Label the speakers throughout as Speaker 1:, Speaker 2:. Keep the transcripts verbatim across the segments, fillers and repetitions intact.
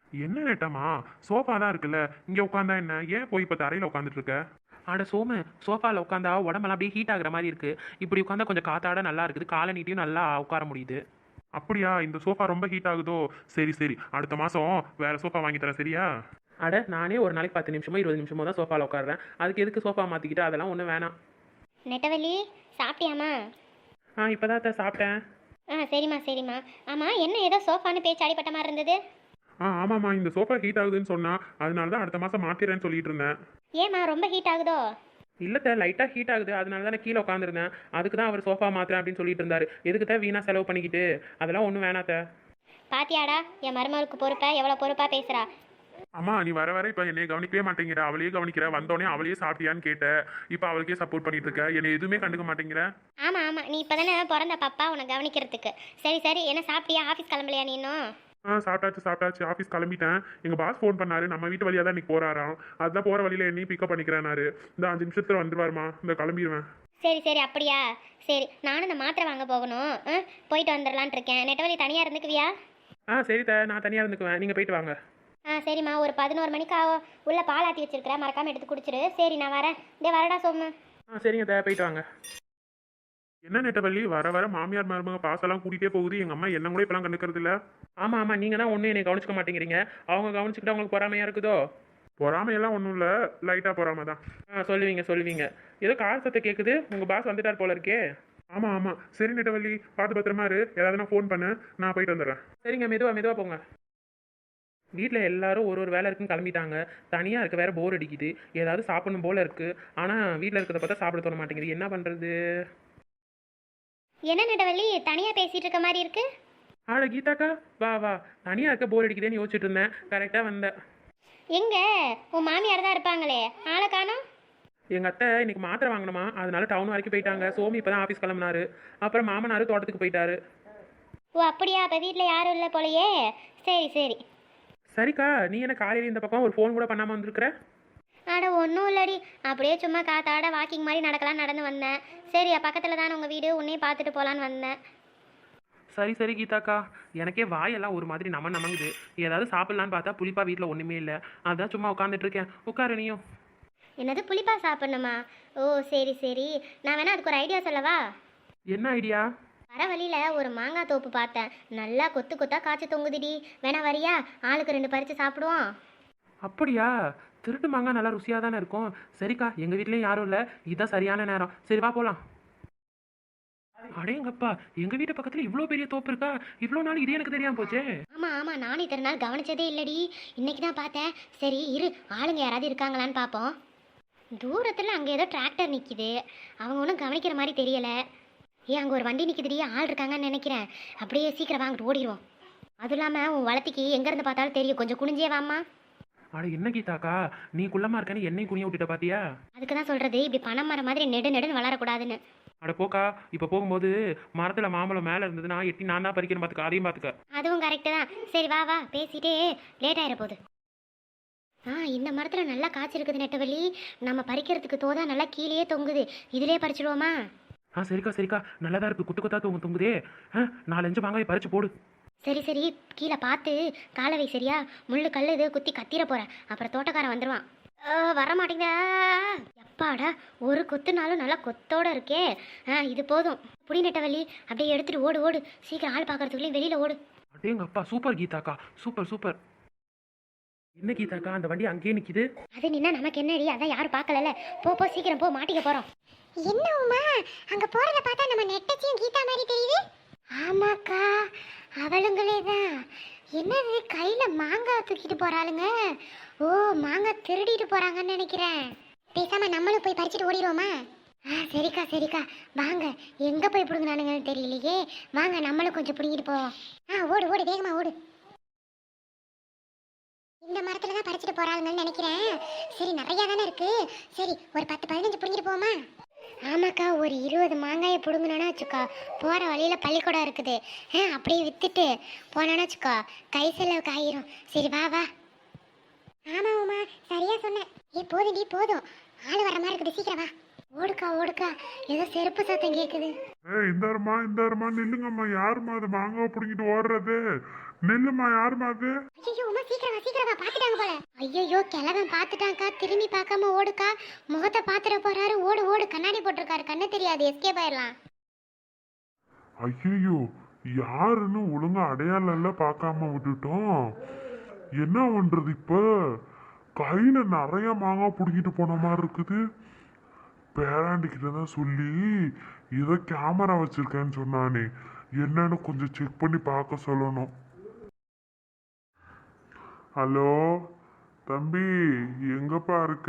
Speaker 1: என்ன நெட்டமா? சோஃபா தான் இருக்குல்ல, இங்க உட்காந்தா என்ன? ஏன் போய் இப்ப தரையில உட்காந்துட்டு இருக்க?
Speaker 2: அட சோமு, சோஃபாவில் உட்காந்தா உடம்பெல்லாம் அப்படியே ஹீட் ஆகுற மாதிரி இருக்கு. இப்படி உட்காந்தா கொஞ்சம் காத்தாட நல்லா இருக்குது, காலை நீட்டியும் நல்லா உட்கார முடியுது.
Speaker 1: அப்படியா? இந்த சோஃபா ரொம்ப ஹீட் ஆகுதோ? சரி சரி, அடுத்த மாசம் வேற சோஃபா வாங்கி தரேன், சரியா?
Speaker 2: அட நானே ஒரு நாளைக்கு பத்து நிமிஷமோ இருபது நிமிஷமோ தான் சோஃபாவில் உட்காடுறேன். அதுக்கு எதுக்கு சோஃபா மாற்றிக்கிட்டு? அதெல்லாம் ஒன்றும் வேணாம்.
Speaker 3: நெட்டவள்ளி, சாப்பிட்டியாம்மா?
Speaker 2: ஆ இப்போ தான் சாப்பிட்டேன்.
Speaker 3: ஆ சரிம்மா சரிம்மா. ஆமாம், என்ன ஏதோ சோஃபான்னு பேச்சு அடிப்பட்ட மாதிரி இருந்தது.
Speaker 1: ஆ ஆமாம்மா, இந்த சோஃபா ஹீட் ஆகுதுன்னு சொன்னா, அதனால தான் அடுத்த மாசம் மாத்திரேன்னு சொல்லிட்டு இருந்தேன்.
Speaker 3: ஏம்மா ரொம்ப ஹீட் ஆகுதோ?
Speaker 2: இல்லத்த, லைட்டாக ஹீட் ஆகுது, அதனால தான் நான் கீழே உட்காந்துருந்தேன். அதுக்கு தான் அவர் சோஃபா மாத்திரேன் அப்படின்னு சொல்லிட்டு இருந்தாரு. எதுக்கு தான் வீணாக செலவு பண்ணிக்கிட்டு? அதெல்லாம் ஒன்றும் வேணாத்த.
Speaker 3: பாத்தியாடா என் மருமகளுக்கு பொறுப்பா எவ்வளோ பொறுப்பாக பேசுகிறா.
Speaker 1: அம்மா, நீ வர வர இப்ப என்னைய கவனிக்கவே மாட்டேங்கிற, அவளையே கவனிக்கிற. வந்தோடனே அவளையே சாப்பிட்டியான்னு கேட்ட, இப்ப அவளுக்கே சப்போர்ட் பண்ணிட்டு இருக்க, என்னை எதுவுமே கண்டுக்க மாட்டேங்கிற.
Speaker 3: ஆமாம் ஆமாம், நீ இப்போ தானே பிறந்த பாப்பா, உன்னை கவனிக்கிறதுக்கு. சரி சரி, என்ன சாப்பிட்டியா? ஆஃபீஸ் கிளம்பலையா நீ இன்னும்?
Speaker 1: ஆ சாப்பிட்டாச்சு சாப்பிட்டாச்சு, ஆஃபீஸ் கிளம்பிட்டேன். எங்க பாஸ் ஃபோன் பண்ணாரு, நம்ம வீட்டு வழியா தான் இன்னைக்கு போறாராம். அதுதான் போற வழியில என்னையும் பிக்கப் பண்ணிக்கிறேனாரு. இந்த அஞ்சு நிமிஷத்துல வந்துருவாருமா, இந்த கிளம்பிடுவேன்.
Speaker 3: சரி சரி, அப்படியா? சரி, நானும் இந்த மாத்திரை வாங்க போகணும். ஆ போயிட்டு வந்துடலான்ட்டு இருக்கேன். நெட்டவள்ளி தனியாக இருந்துக்குவியா?
Speaker 2: ஆ சரி த, நான் தனியாக இருந்துக்குவேன், நீங்கள் போயிட்டு வாங்க.
Speaker 3: ஆ சரிம்மா, ஒரு பதினோரு மணிக்கு ஆகும். உள்ள பால் ஆற்றி வச்சிருக்கிறேன், மறக்காமல் எடுத்து குடிச்சிரு. சரி நான் வரேன். டே வரடா சோமு.
Speaker 2: ஆ சரிங்க த, போயிட்டு வாங்க.
Speaker 1: என்ன நெட்டவள்ளி, வர வர மாமியார் மருமக பாசெல்லாம் கூட்டிகிட்டே போகுது. எங்க அம்மா என்ன கூட இப்பெல்லாம் கண்டுக்கிறது இல்ல.
Speaker 2: ஆமாம் ஆமாம், நீங்கள் தான் ஒன்றும் என்னை கவனிச்சிக்க மாட்டேங்கிறீங்க. அவங்க கவனிச்சுக்கிட்டு அவங்களுக்கு பொறாமையாக இருக்குதோ?
Speaker 1: பொறாமையெல்லாம் ஒன்றும் இல்லை, லைட்டாக பொறாம தான்.
Speaker 2: ஆ சொல்லுவீங்க சொல்லுவீங்க. ஏதோ கார் சத்தம் கேட்குது, உங்கள் பாஸ் வந்துட்டார் போல இருக்கே.
Speaker 1: ஆமாம் ஆமாம், சரி நெட்டவள்ளி, பார்த்து பத்திரமா இரு. ஏதாவது நான் ஃபோன் பண்ணு, நான் போயிட்டு வந்துடுறேன்.
Speaker 2: சரிங்க, மெதுவாக மெதுவாக போங்க. வீட்டில் எல்லாரும் ஒரு ஒரு வேலை இருக்குன்னு கிளம்பிட்டாங்க. தனியாக இருக்க வேற போர் அடிக்குது. ஏதாவது சாப்பிடணும் போல இருக்கு. ஆனால் வீட்டில் இருக்கிறத பார்த்தா சாப்பிட தோண மாட்டேங்குது. என்ன பண்ணுறது?
Speaker 3: என்ன நெட்டவள்ளி தனியாக பேசிகிட்டு இருக்க மாதிரி இருக்கு?
Speaker 2: ஆட கீதாக்கா, வா வா. தனியாக இருக்க போர் அடிக்குதுன்னு யோசிச்சுட்டு இருந்தேன், கரெக்டாக வந்தேன்.
Speaker 3: எங்க உன் மாமியார் தான் இருப்பாங்களே, ஆளை காணோம்.
Speaker 2: எங்கள் அத்தை இன்னைக்கு மாத்திரை வாங்கணுமா, அதனால டவுன் வரைக்கும் போயிட்டாங்க. சோமி இப்போ தான் ஆஃபீஸ் கிளம்புனாரு. அப்புறம் மாமனார் தோட்டத்துக்கு போயிட்டாரு.
Speaker 3: ஓ அப்படியா, அப்போ வீட்டில் யாரும் இல்லை போலையே. சரி சரி.
Speaker 2: சரிக்கா, நீ என்ன காலையில் இந்த பக்கம் ஒரு ஃபோன் கூட பண்ணாமல் வந்திருக்கிற?
Speaker 3: அட ஒன்றும் இல்லடி, அப்படியே சும்மா காத்தாட வாக்கிங் மாதிரி நடக்கலாம் நடந்து வந்தேன். சரி பக்கத்தில் தானே உங்கள் வீடு, உன்னையும் பார்த்துட்டு போகலான்னு வந்தேன்.
Speaker 2: சரி சரி கீதாக்கா, எனக்கே வாயெல்லாம் ஒரு மாதிரி நம நமங்குது. ஏதாவது சாப்பிட்லான்னு பார்த்தா புளிப்பா வீட்டில் ஒன்றுமே இல்லை. அதான் சும்மா உட்காந்துட்டு இருக்கேன். உட்காரு நீயும்.
Speaker 3: என்னது புளிப்பா சாப்பிட்ணுமா? ஓ சரி சரி, நான் வேணா அதுக்கு ஒரு ஐடியா சொல்லவா?
Speaker 2: என்ன ஐடியா?
Speaker 3: வர வழியில் ஒரு மாங்காய் தோப்பு பார்த்தேன், நல்லா கொத்து கொத்தா காய்ச்சி தொங்குதுடி. வேணா வரியா? ஆளுக்கு ரெண்டு பறித்து சாப்பிடுவோம்.
Speaker 2: அப்படியா? திருட்டு மாங்காய் நல்லா ருசியாக தானே இருக்கும். சரிக்கா, எங்கள் வீட்லேயும் யாரும் இல்லை, இதுதான் சரியான நேரம். சரி வா போகலாம். அடேங்கப்பா, எங்கள் வீட்டு பக்கத்தில் இவ்வளோ பெரிய தோப்பு இருக்கா? இவ்வளோ நாள் இது எனக்கு தெரியாமல் போச்சே.
Speaker 3: ஆமாம் ஆமாம், நானும் இத்தனை நாள் கவனிச்சதே இல்லடி, இன்னைக்கு தான் பார்த்தேன். சரி இரு, ஆளுங்க யாராவது இருக்காங்களான்னு பார்ப்போம். தூரத்தில் அங்கே ஏதோ டிராக்டர் நிற்கிது, அவங்க ஒன்றும் கவனிக்கிற மாதிரி தெரியலை. ஏன் அங்கே ஒரு வண்டி நிற்கிதுடி, ஆள் இருக்காங்கன்னு நினைக்கிறேன். அப்படியே சீக்கிரம் வாங்கிட்டு ஓடிடுவோம். அதுவும் இல்லாமல் உன் வளர்த்திக்கு எங்கேருந்து பார்த்தாலும் தெரியும், கொஞ்சம் குனிஞ்சே வாம்மா.
Speaker 2: அட என்ன கீதாக்கா, நீ குள்ளமாக இருக்கன்னு என்னையும் குனிய விட்டுட்ட பாத்தியா?
Speaker 3: அதுக்கு தான் சொல்கிறது, இப்படி பணம் மரம் மாதிரி நெடு நெடுன்னு வளரக்கூடாதுன்னு.
Speaker 2: அட போக்கா, இப்போ போகும்போது மரத்தில் மாம்பழம் மேலே இருந்ததுன்னா எட்டி நான் தான் பறிக்கிறேன் பார்த்துக்க, அதையும் பார்த்துக்க.
Speaker 3: அதுவும் கரெக்டு தான். சரி வா வா, பேசிட்டே லேட் ஆகிட போகுது. ஆ இந்த மரத்தில் நல்லா காய்ச்சிருக்குது நெட்டவள்ளி, நம்ம பறிக்கிறதுக்கு தோதா நல்லா கீழேயே தொங்குது. இதிலே பறிச்சிடுவோமா?
Speaker 2: ஆ சரிக்கா சரிக்கா, நல்லா தான் இருக்குது. குத்து குத்தா தூங்க தொங்குதே. ஆ நாலஞ்சு மாங்காய் பறிச்சு போடு.
Speaker 3: சரி சரி, கீழே பார்த்து காலவை சரியா? முள்ளு கல் இது குத்தி கத்திர போகிறேன், அப்புறம் தோட்டக்காரன் வந்துடுவான். வர மாட்டேங்க. எப்பாடா, ஒரு கொத்துனாலும் நல்லா கொத்தோட இருக்கே. ஆ இது போதும். புடி நெட்டவள்ளி, அப்படியே எடுத்துட்டு ஓடு ஓடு, சீக்கிரம் ஆள் பார்க்கறதுக்குள்ளேயும் வெளியில் ஓடு.
Speaker 2: அடேங்க அப்பா, சூப்பர் கீதாக்கா, சூப்பர் சூப்பர். என்ன கீதாக்கா, அந்த வண்டி அங்கேயே நிற்கிது.
Speaker 3: அது நின்னா நமக்கு என்னடி, அதான் யாரும் பார்க்கல. போ போ சீக்கிரம் போ, மாட்டிக்க போகிறோம். என்ன உமா, அங்கே போகிறத பார்த்தா நம்ம நெட்டச்சியும் கீதா மாதிரி தெரியுது. ஆமாக்கா, அவளுங்களே தான். என்னது கையில் மாங்காய் தூக்கிட்டு போகிறாளுங்க? ஓ மாங்காய் திருடிட்டு போகிறாங்கன்னு நினைக்கிறேன். பேசாமல் நம்மளும் போய் பறிச்சுட்டு ஓடிடுவோமா? ஆ சரிக்கா சரிக்கா, வாங்க. எங்கே போய் பிடுங்கினானுங்கன்னு தெரியலையே. வாங்க நம்மளும் கொஞ்சம் பிடுங்கிட்டு போவோம். ஆ ஓடு ஓடு, வேகமாக ஓடு. இந்த மரத்தில் தான் பறிச்சுட்டு போகிறாங்கன்னு நினைக்கிறேன். சரி நிறையா தானே இருக்குது. சரி ஒரு பத்து பதினஞ்சு பிடுங்கிட்டு போமா? ஆமாக்கா, ஒரு இருபது மாங்காயை பிடுங்கணுன்னா வச்சுக்கா, போகிற வழியில் பள்ளிக்கூடம் இருக்குது. ஆ அப்படியே விற்றுட்டு போனோன்னா வச்சுக்கோ, கை செலவுக்கு ஆயிரும். சரி வா வா. ஆமாம் உமா, சரியாக சொன்னேன். ஏ போதும் டி போதும், ஆள் வர மாதிரி இருக்குது, சீக்கிரம் வா. ஓடுக்கா ஓடுக்கா, ஏதோ செருப்பு சத்தம் கேட்குது.
Speaker 1: ஏய் இந்தாருமா இந்தாருமா, நில்லுங்கம்மா. யாருமா அது மாங்காவை பிடிங்கிட்டு ஓடுறது? நில்லுமா, யாருமா அது?
Speaker 3: ஐயோ உமா, சீக்கிரம் வா சீக்கிரம் வா பாத்துட்டாங்க போல. ஐயோ கிழவன் பாத்துட்டான்க்கா, திரும்பி பார்க்காம ஓடுக்கா. முகத்தை பாத்துட போறாரு, ஓடு ஓடு. கண்ணாடி போட்டிருக்காரு, கண்ணு தெரியாது, எஸ்கேப் ஆயிடலாம்.
Speaker 4: ஐயோ யாருன்னு ஒழுங்கா அடையாளம் எல்லாம் பார்க்காம விட்டுட்டோம். என்ன பண்றது இப்ப? கையில நிறைய மாங்காய் பிடிக்கிட்டு போன மாதிரி இருக்குது. பேராண்டிக்கிட்ட தான் சொல்லி ஏதோ கேமரா வச்சிருக்கேன்னு சொன்னானே, என்னன்னு கொஞ்சம் செக் பண்ணி பார்க்க சொல்லணும். ஹலோ தம்பி, எங்கப்பா இருக்க?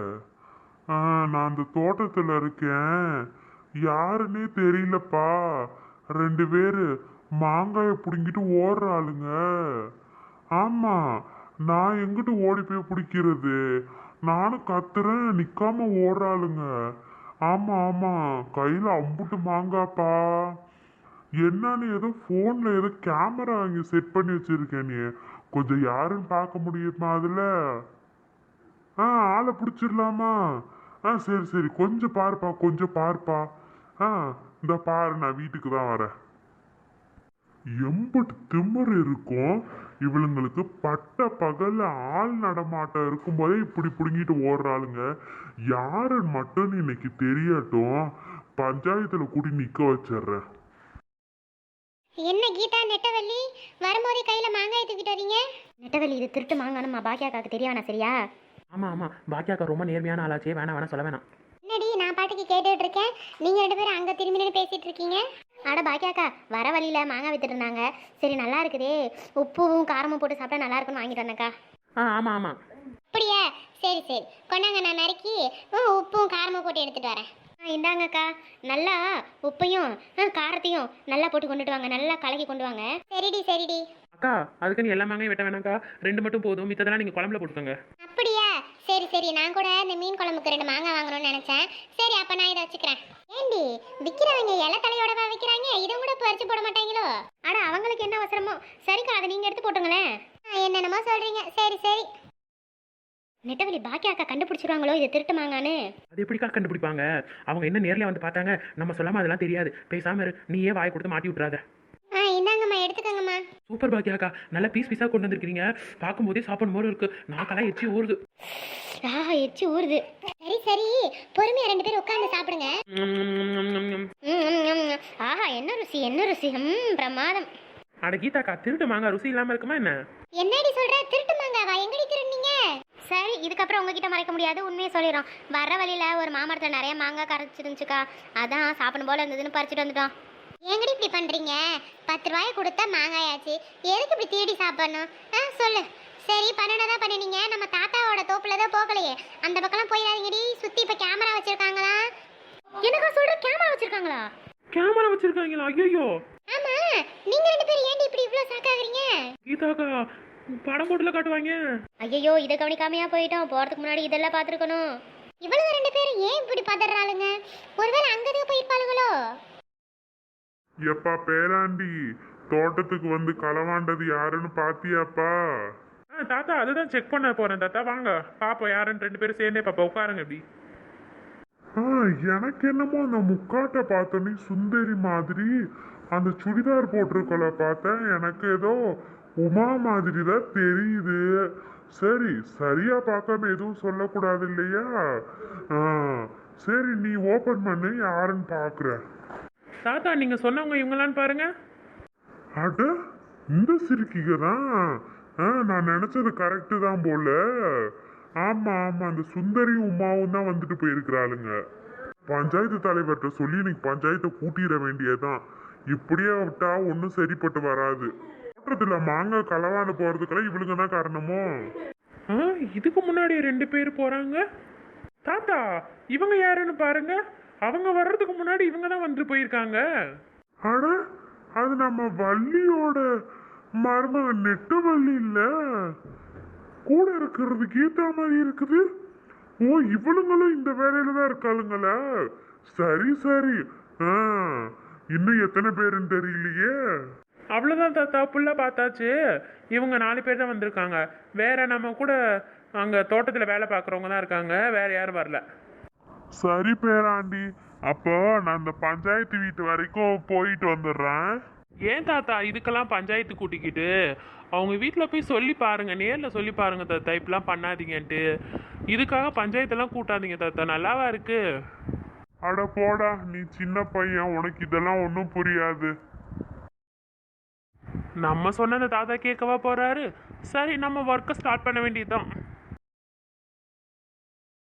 Speaker 4: ஆ நான் அந்த தோட்டத்தில் இருக்கேன். யாருன்னே தெரியலப்பா. ரெண்டு பேரு மாங்காயை பிடுங்கிட்டு ஓடுற ஆளுங்க. ஆமா, நான் எங்கிட்டு ஓடி போய் பிடிக்கிறது? நானும் கத்துறேன், நிக்காம ஓடுற ஆளுங்க. ஆமா ஆமா, கையில அம்புட்டு மாங்காப்பா. என்னன்னு ஏதோ போன்ல ஏதோ கேமரா அங்க செட் பண்ணி வச்சிருக்கேன். நீ கொஞ்சம் யாருன்னு பார்க்க முடியுமா அதுல? ஆ ஆளை பிடிச்சிடலாமா? ஆ சரி சரி, கொஞ்சம் பாருப்பா, கொஞ்சம் பாருப்பா. ஆ இந்த பாரு, நான் வீட்டுக்கு தான் வரேன். எம்பட்டு திமிரு இருக்கும் இவளுங்களுக்கு. பட்ட பகல்ல ஆள் நடமாட்டம் இருக்கும்போதே இப்படி பிடுங்கிட்டு ஓடுறாளுங்க. யாருன்னு மட்டும் இன்னைக்கு தெரியட்டும், பஞ்சாயத்துல கூட்டி நிக்க வச்சிடுறேன்.
Speaker 3: என்ன கீதா, நெட்டவள்ளி வரும்போதே கையில மாங்காய் தூக்கிட்டு வரீங்க? நெட்டவள்ளி, இது திருட்டு மாங்கானுமா பாக்கியாக்காக்கு தெரிய வேணாம் சரியா?
Speaker 2: ஆமாம் ஆமாம், பாக்கியாக்கா ரொம்ப நேர்மையான ஆளாச்சே, வேணாம் வேணாம் சொல்ல வேணாம்.
Speaker 3: என்னடி நான் பாட்டுக்கு கேட்டுட்டு இருக்கேன், நீங்க ரெண்டு பேரும் அங்க திரும்பி நின்று பேசிட்டு இருக்கீங்க. அட பாக்கியாக்கா, வர வழியில மாங்காய் வித்துட்டு இருந்தாங்க. சரி நல்லா இருக்குதே, உப்பும் காரமும் போட்டு சாப்பிட்டா நல்லா இருக்குன்னு வாங்கிட்டு வந்தேக்கா.
Speaker 2: ஆ ஆமாம் ஆமாம்.
Speaker 3: அப்படியா? சரி சரி, கொண்டாங்க, நான் நறுக்கி உம், உப்பும் காரமும் போட்டு எடுத்துட்டு வரேன். ஆ இந்தாங்கக்கா, நல்லா உப்பையும் ஆ, காரத்தையும் நல்லா போட்டு கொண்டுட்டு வாங்க, நல்லா கலக்கி கொண்டு வாங்க. சரிடி சரிடி.
Speaker 2: அக்கா, அதுக்கு நீ எல்லா மாங்காயும் வெட்ட வேணாம்க்கா, ரெண்டு மட்டும் போதும், மித்ததெல்லாம் நீங்கள் குழம்புல போட்டுக்கோங்க.
Speaker 3: அப்படியா? சரி சரி, நான் கூட இந்த மீன் குழம்புக்கு ரெண்டு மாங்காய் வாங்கணும்னு நினைச்சேன். சரி அப்ப நான் இதை வச்சுக்கிறேன். ஏண்டி விற்கிறவங்க இலை தலையோடவா விற்கிறாங்க? இதை கூட பறிச்சு போட மாட்டாங்களோ? அட அவங்களுக்கு என்ன அவசரமோ. சரிக்கா, அதை நீங்க எடுத்து போட்டுங்களேன். என்னென்னமோ சொல்றீங்க. சரி சரி. நெட்டவழி பாக்கியா அக்கா கண்டுபிடிச்சிருவாங்களோ இது திருட்டு மாங்கான்னு?
Speaker 2: அது எப்படிக்கா கண்டுபிடிப்பாங்க? அவங்க என்ன நேர்ல வந்து பார்த்தாங்க, நம்ம சொல்லாம அதெல்லாம் தெரியாது. பேசாம இரு, நீயே வாய் கொடுத்து மாட்டி விட்டுறாத.
Speaker 3: ஆ இந்தாங்கம்மா, எடுத்துக்கங்கம்மா.
Speaker 2: சூப்பர் பாக்கியாக்கா, நல்லா பீஸ் பீஸாக கொண்டு வந்திருக்கீங்க. பார்க்கும்போதே சாப்பிடும் போது இருக்கு, நாக்கெல்லாம் எச்சி ஊறுது.
Speaker 3: ஆஹா, எச்சி ஊறுது. சரி சரி, பொறுமையா ரெண்டு பேரும் உட்கார்ந்து சாப்பிடுங்க. ம், ம், ம். ஆஹா, என்ன ருசி என்ன ருசி. ம், பிரமாதம்.
Speaker 2: அட கீதாக்கா, திருட்டு மாங்காய் ருசி இல்லாம இருக்குமா என்ன?
Speaker 3: என்னடி சொல்ற? திருட்டு மாங்காவா? எங்கடி திருடுனீங்க? சரி, இதுக்கப்புறம் உங்ககிட்ட மறைக்க முடியாது, உண்மையை சொல்லிடுறோம். வர வழியில ஒரு மாமரத்தில் நிறைய மாங்காய் கரைச்சிருந்துச்சுக்கா, அதான் சாப்பிடும் போல இருந்ததுன்னு பறிச்சுட்டு வந்துட்டோம். எங்கடி இப்படி பண்றீங்க? பத்து ரூபாய் கொடுத்தா மாங்காயாச்சு, எதுக்கு இப்படி தேடி சாப்பிடணும்? ஆ சொல்லு. சரி, பண்ணனதான் பண்ணினீங்க. நம்ம தாத்தாவோட தோப்புல தான் போகலையே, அந்த பக்கம்லாம் போயிடாதீங்கடி. சுத்தி இப்ப கேமரா வச்சிருக்காங்களா? எனக்கா சொல்ற? கேமரா வச்சிருக்காங்களா?
Speaker 2: கேமரா வச்சிருக்காங்களா? ஐயோ.
Speaker 3: ஆமா, நீங்க ரெண்டு பேரும் ஏன்டி இப்படி இவ்ளோ சாக்காகிறீங்க?
Speaker 2: கீதாக்கா, படம் போட்டுல காட்டுவாங்க.
Speaker 3: ஐயோ, இதை கவனிக்காமையா போயிட்டோம். போறதுக்கு முன்னாடி இதெல்லாம் பாத்துருக்கணும். இவ்வளவு ரெண்டு பேரும் ஏன் இப்படி பதறாளுங்க? ஒருவேளை அங்கதான் போயிருப்பாளுங்களோ?
Speaker 4: எப்பா பேராண்டி, தோட்டத்துக்கு வந்து களவாண்டது யாருன்னு பாத்தியாப்பா?
Speaker 1: ஆ தாத்தா, அதுதான் செக் பண்ண போறேன் தாத்தா. வாங்க பாப்போம் யாருன்னு. ரெண்டு பேரும் சேர்ந்தே பாப்பா, உட்காருங்க இப்படி.
Speaker 4: ஆ எனக்கு என்னமோ அந்த முக்காட்டை பார்த்தோன்னே சுந்தரி மாதிரி அந்த சுடிதார் போட்டிருக்கல பார்த்தேன். எனக்கு ஏதோ உமா மாதிரி தான் தெரியுது. சரி, சரியா பார்க்காம எதுவும் சொல்லக்கூடாது இல்லையா? ஆ சரி, நீ ஓபன் பண்ணு, யாருன்னு பார்க்குற.
Speaker 2: தாத்தா, நீங்க சொன்னவங்க இவங்களான்னு பாருங்க.
Speaker 4: அட, இந்த சிரிக்கிக தான். ஆ நான் நினைச்சது கரெக்டு தான் போல. ஆமா ஆமா, அந்த சுந்தரியும் உமாவும் தான் வந்துட்டு போயிருக்கிறாளுங்க. பஞ்சாயத்து தலைவர்கிட்ட சொல்லி இன்னைக்கு பஞ்சாயத்தை கூட்டிட வேண்டியதுதான். இப்படியே விட்டா ஒன்றும் சரிப்பட்டு வராது. தோட்டத்துல மாங்காய் களவாண்டு போறதுக்கெல்லாம் இவளுங்க தான் காரணமோ?
Speaker 2: ஆ, இதுக்கு முன்னாடி ரெண்டு பேர் போறாங்க. தாத்தா, இவங்க யாருன்னு பாருங்க. அவங்க வர்றதுக்கு முன்னாடி இவங்க தான் வந்துட்டு போயிருக்காங்க.
Speaker 4: அட, அது நம்ம வள்ளியோட மருமக நெட்ட வள்ளி இல்ல? கூட இருக்கிறது கீதா மாதிரி இருக்குது. ஓ, இவளுங்களும் இந்த வேலையில தான் இருக்காளுங்களா? சரி சரி. ஆ இன்னும் எத்தனை பேருன்னு தெரியலையே.
Speaker 2: அவ்வளோதான் தாத்தா, புள்ள பார்த்தாச்சு. இவங்க நாலு பேர் தான் வந்திருக்காங்க. வேற நம்ம கூட அங்கே தோட்டத்தில் வேலை பார்க்குறவங்க தான் இருக்காங்க, வேற யாரும் வரல.
Speaker 4: சரி பேராண்டி, அப்போ நான் இந்த பஞ்சாயத்து வீட்டு வரைக்கும் போயிட்டு வந்துடுறேன்.
Speaker 2: ஏன் தாத்தா இதுக்கெல்லாம் பஞ்சாயத்து கூட்டிக்கிட்டு அவங்க வீட்டில் போய் சொல்லி பாருங்க, நேரில் சொல்லி பாருங்க தாத்தா, இப்படிலாம் பண்ணாதீங்கன்ட்டு. இதுக்காக பஞ்சாயத்தெல்லாம் கூட்டாதீங்க தாத்தா, நல்லாவா இருக்கு?
Speaker 4: அட போடா, நீ சின்ன பையன், உனக்கு இதெல்லாம் ஒன்றும் புரியாது.
Speaker 2: நம்ம சொன்னதை தாத்தா கேட்கவா போறாரு? சரி, நம்ம ஒர்க்கை ஸ்டார்ட் பண்ண வேண்டியதுதான்.